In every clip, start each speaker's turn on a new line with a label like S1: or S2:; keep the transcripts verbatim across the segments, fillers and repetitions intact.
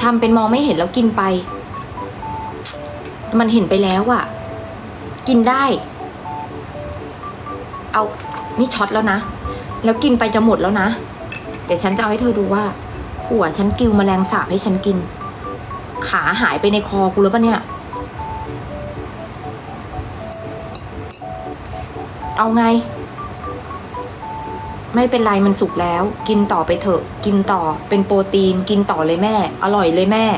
S1: ำเป็นมองไม่เห็นแล้วกินไป มันเห็นไปแล้วอะกินได้ เอานี่ช็อตแล้วนะแล้วกินไปจะหมดแล้วนะเดี๋ยวฉันจะเอาให้เธอดูว่าหัวฉันกิวแมลงสาบให้ฉันกินขาหายไปในคอกูแล้วปะเนี่ยเอาไงไม่เป็นไรมันสุกแล้วกินต่อไปเถอะกินต่อเป็นโปรตีนกินต่อเลยแม่อร่อยเลยแม่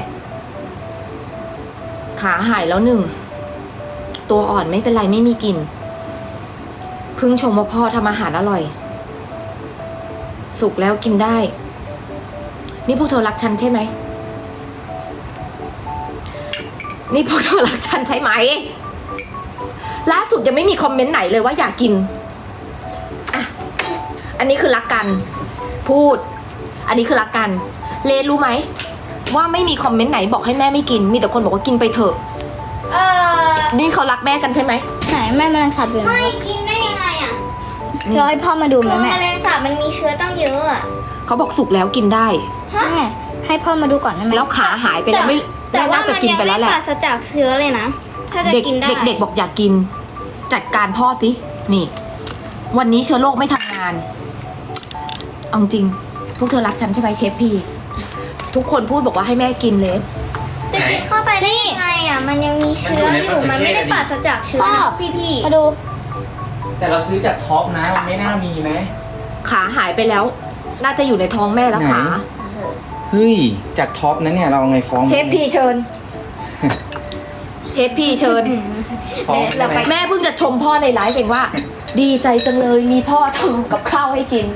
S1: ขาหายแล้วหนึ่งตัวอ่อนไม่เป็นไรไม่มีกลิ่นพึ่งชมว่าพ่อทำอาหารอร่อยสุกแล้วกินได้นี่พวกเธอรักฉันใช่ไหมนี่พวกเธอรักฉันใช่ไหมล่าสุดยังไม่มีคอมเมนต์ไหนเลยว่าอยากกินอ่ะอันนี้คือรักกันพูดอันนี้คือรักกันเลรู้ไหมว่าไม่มีคอมเมนต์ไหนบอกให้แม่ไม่กินมีแต่คนบอกว่ากินไปเถอะ
S2: เออ
S1: นี่เขารักแม่กันใช่ไหม
S3: ไหนแม่แมลงสาบอยู่ไหน
S2: ไม่กินได้ยังไงอ่ะ
S3: เราให้พ่อมาดูไหม
S2: ตัว
S3: แม่
S2: แมลงสาบมันมีเชื้อตั้งเยอะอ่ะ
S1: เขาบอกสุกแล้วกินได้
S2: ฮะ
S3: แม่ให้พ่อมาดูก่อนได้ไหม
S1: แล้วขาหายไปแล้วไม่
S2: แต่
S1: แม่
S2: ว่า
S1: น่า
S2: มั
S1: จะ
S2: น
S1: กิน
S2: ยัง
S1: ไป
S2: ไม่
S1: แล้วแหละ
S2: ปราศจากเชื้อเลยนะถ้าจะ
S1: เด็ก
S2: กินได้
S1: เด็กๆบอกอยากกินจัดการพ่อสินี่ วันนี้เชื้อโรคไม่ทำงานเอาจริงพวกเธอรักฉันใช่ไหมเชฟพี่ทุกคนพูดบอกว่าให้แม่กินเลย
S2: จะกินเข้าไปได้ยังไงอ่ะมันยังมีเชื้ออยู่มันไม่ได้ปราศจากเชื้อนะพี่พี่
S3: มาดู
S4: แต่เราซื้อจากท็อปนะมันไม่น่ามีไหม
S1: ขาหายไปแล้ว น่าจะอยู่ในท้องแม่แล้ว
S4: ไหน
S1: ขา
S4: เฮ้ยจากท็อปนะเนี่ยเราเอาไงฟ้อง
S1: เชฟพี่เชิญ เชฟพี่เชิญ
S4: ฟ้อง
S1: เรา
S4: ได้
S1: ไป
S4: ไหม
S1: แม่เพิ่งจะชมพ่อในไลฟ์เองว่า ดีใจจังเลยมีพ่อทำกับข้าวให้กิน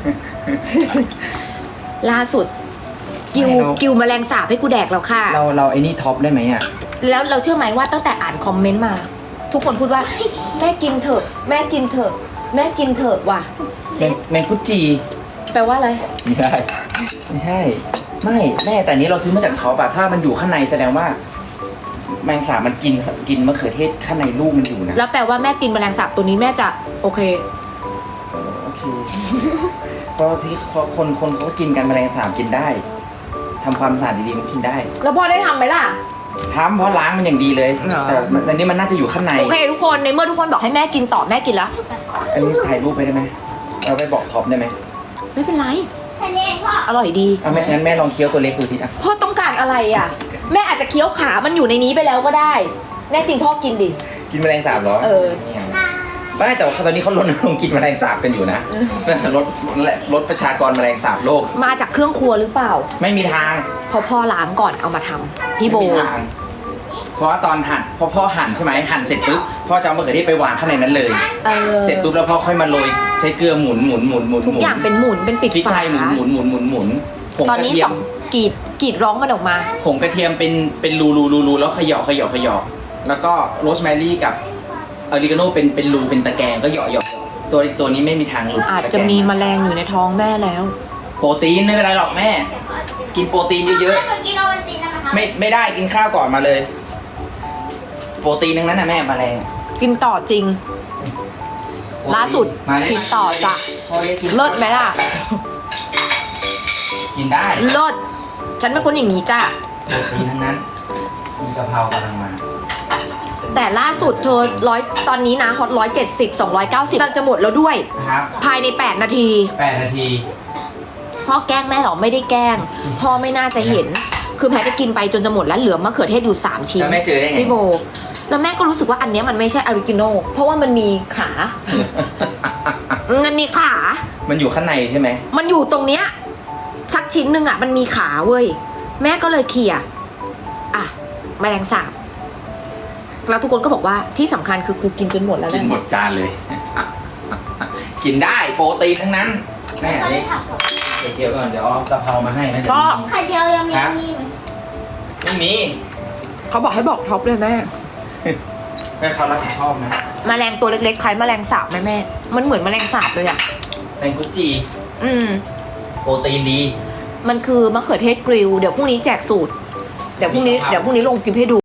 S1: ล่าสุด กิวกิวแมลงสาบให้กูแดกแล้วค่ะ
S4: เราเราไอ้นี่ท็อปได้ไหมอ่ะ
S1: แล้วเราเชื่อไหมว่าตั้งแต่อ่านคอมเมนต์มา ทุกคนพูดว่า แม่กินเถอะ แม่กินเถอะ แม่กินเถอะว่ะ
S4: แมงแมงกุจี
S1: แปลว่าอะไร
S4: ไม่ได้ไม่ใช่ไม่แม่แต่อันนี้เราซื้อมาจากท็อปอะถ้ามันอยู่ข้างในแสดงว่า แมงสาบมันกินกินมะเขือเทศข้างในลูกมันอยู่นะ
S1: แล้วแปลว่าแม่กินแมลงสาบตัวนี้แม่จะโอเค
S4: โอเคก็ที่คนคนเขากินกันแมลงสาบกินได้ทำความสะอาดดีๆมันกินได้
S1: แล้วพ่อได้ทำไหมล่ะ
S4: ทำเพราะล้างมันอย่างดีเลย
S1: เหรอ
S4: แต่อันนี้มันน่าจะอยู่ข้างใน
S1: โอเคทุกคนในเมื่อทุกคนบอกให้แม่กินต่อแม่กินแล้ว
S4: อันนี้ถ่ายรูปไปได้ไหมเราไปบอกท็อปได้ไหม
S1: ไม่เป็นไร
S3: แค่นี้พ่อ
S1: อร่อยดี
S4: เอาแม่งั้นแม่ลองเคี้ยวตัวเล็กดูสิอ่ะ
S1: พ่อต้องการอะไรอ่ะ แม่อาจจะเคี้ยวขามันอยู่ในนี้ไปแล้วก็ได้ แน่จริงพ่อกินดิ
S4: กินแมลงสาบเหรอ
S1: เออ
S4: นี่ยไม่แต่ว่าตอนนี้เขาลดลงค์กินแมลงสาบกันอยู่นะลดลดประชากรแมลงสาบโลก
S1: มาจากเครื่องครัวหรือเปล่า
S4: ไม่มีทาง
S1: เพราะพ่อล้างก่อนเอามาทำพี่โบ
S4: ไม่มีทางเพราะว่าตอนหั่นพอพ่อหั่นใช่ไหมหั่นเสร็จปุ๊บพ่อจะเอามะเขือเทศไปวางข้างในนั้นเลย
S1: เออ
S4: เสร็จปุ๊บแล้วพ่อค่อยมาโรยใช้เกลือหมุนหมุนหมุนหมุน
S1: ทุกอย่างเป็นหมุนเป็นปิด
S4: พริก
S1: ฝา
S4: ไทยหมุนหมุนหมุนหมุนหมุนผง
S1: ตอน
S4: กระ
S1: นี้
S4: เทีย
S1: ส
S4: ม
S1: องกรีดกรีดร้องมันออกมา
S4: ผงกระเทียมเป็นเป็นรูรูรูรูแล้วเขย่าเขย่าเขย่าแล้วก็โรสแมรี่กับออริกาโนเป็นเป็นรูเป็นตะแกรงก็เหยาะเหยาะตัวตัวนี้ไม่มีทางหลุด
S1: อาจจะมีแมลงอยู่ในท้องแม่แล้ว
S4: โปรตีนไม่เป็นไรหรอกแม่ กินโปรตีนเยอะ
S3: ถ้าหนูกินโอวัลตินนะคะ
S4: ๆไม่ไม่ได้กินข้าวก่อนมาเลย โปรตีนทั้งนั้นนะแม่แมลง
S1: กินต่อจริง ล่าสุด
S4: มาเลย
S1: กินต่อจ้ะ
S4: พ่อเรียกกิน
S1: เลิศไหมล่ะ
S4: กินได้
S1: เลิศฉันเป็นคนอย่างนี้จ้ะ
S4: โปรตีนทั้งนั้นมีกะเพรากำลังมา
S1: แต่ล่าสุดเธอร้อยตอนนี้นะฮอตร้อยเจ็ดสิบสองร้อยเก้าสิบกำลังจะหมดแล้วด้วย
S4: นะครับ
S1: ภายในแปดนาที
S4: แปดนาที
S1: พ่อแกล้งแม่หรอไม่ได้แกล้ง พ่อไม่น่าจะเห็น คือแพทจะกินไปจนจะหมดแล้วเหลือมะเขือเทศอยู่สามชิ้น
S4: แล้วแม่เจอได้ไง
S1: พี่โบ แล้วแม่ก็รู้สึกว่าอันเนี้ยมันไม่ใช่ออริจินอลเพราะว่ามันมีขา มันมีขา
S4: มันอยู่ข้างในใช่ไหม
S1: มันอยู่ตรงเนี้ยสักชิ้นหนึ่งอ่ะมันมีขาเว้ยแม่ก็เลยเคลียร์อ่ะแมลงสาบแล้วทุกคนก็บอกว่าที่สำคัญคือกูกินจนหมดแล้ว
S4: กิน
S1: นะ
S4: หมดจานเลย กินได้โปรตีนทั้งนั้นแม่
S3: ตอน
S4: นี่
S3: นี้ผักก่อน
S4: เจียวก่อนเดี๋ยวเอากะเพรามาให้นะเดี๋ยว
S1: ก็
S3: ไข่เจียวยังมีอันนี้ไหม
S4: ไม่มี
S1: เขาบอกให้บอกท็อปเลยแม่
S4: แม่เขารับผิดชอบนะ
S1: แมลงตัวเล็กๆคล้ายแมลงสาบไหมแม่ มันเหมือนแมลงสาบเลยอ่ะ
S4: แมงกุจี
S1: อืม
S4: โปรตีนดี
S1: มันคือมะเขือเทศกริลเดี๋ยวพรุ่งนี้แจกสูตร เดี๋ยวพรุ่งนี้เดี๋ยวพรุ่งนี้ลงคลิปให้ดู